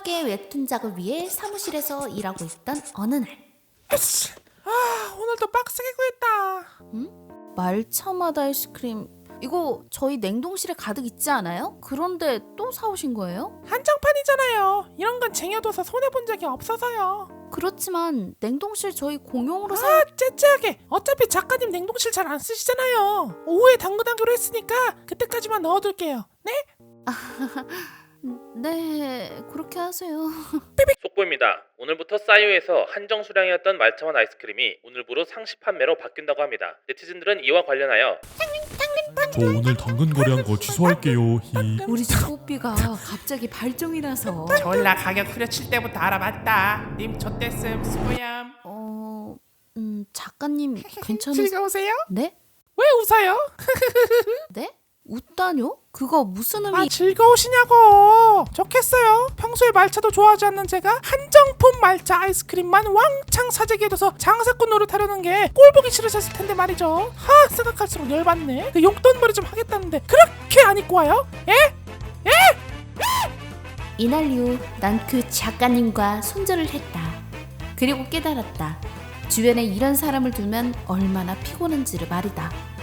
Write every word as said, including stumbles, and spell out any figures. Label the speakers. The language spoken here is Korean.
Speaker 1: 함께 웹툰작을 위해 사무실에서 일하고 있던 어느 날.
Speaker 2: 에씨, 아 오늘도 빡세게 구했다.
Speaker 1: 응? 말차맛 아이스크림 이거 저희 냉동실에 가득 있지 않아요? 그런데 또 사오신 거예요?
Speaker 2: 한정판이잖아요. 이런 건 쟁여둬서 손해본 적이 없어서요.
Speaker 1: 그렇지만 냉동실 저희 공용으로 사...
Speaker 2: 아 째째하게. 어차피 작가님 냉동실 잘 안 쓰시잖아요. 오후에 당근하기로 했으니까 그때까지만 넣어둘게요. 네?
Speaker 1: 네, 그렇게 하세요.
Speaker 3: 속보입니다. 오늘부터 싸이오에서 한정 수량이었던 말차맛 아이스크림이 오늘부로 상시 판매로 바뀐다고 합니다. 네티즌들은 이와 관련하여
Speaker 4: 저 오늘 당근 거래한 거 취소할게요. 히.
Speaker 1: 우리 소삐가 갑자기 발정이 나서
Speaker 2: 졸라 가격 후려칠 때부터 알아봤다. 님 좆됐음 수고얌.
Speaker 1: 어... 음... 작가님 괜찮으...
Speaker 2: 즐거우세요?
Speaker 1: 네?
Speaker 2: 왜 웃어요?
Speaker 1: 네? 웃다뇨? 그거 무슨 의미...
Speaker 2: 아 즐거우시냐고. 좋겠어요. 평소에 말차도 좋아하지 않는 제가 한정품 말차 아이스크림만 왕창 사재기해둬서 장사꾼 노릇하려는 게 꼴보기 싫으셨을 텐데 말이죠. 하 생각할수록 열받네. 그 용돈벌이 좀 하겠다는데 그렇게 안 입고 와요? 예?
Speaker 1: 이날 이후 난 그 작가님과 손절을 했다. 그리고 깨달았다. 주변에 이런 사람을 두면 얼마나 피곤한지를 말이다.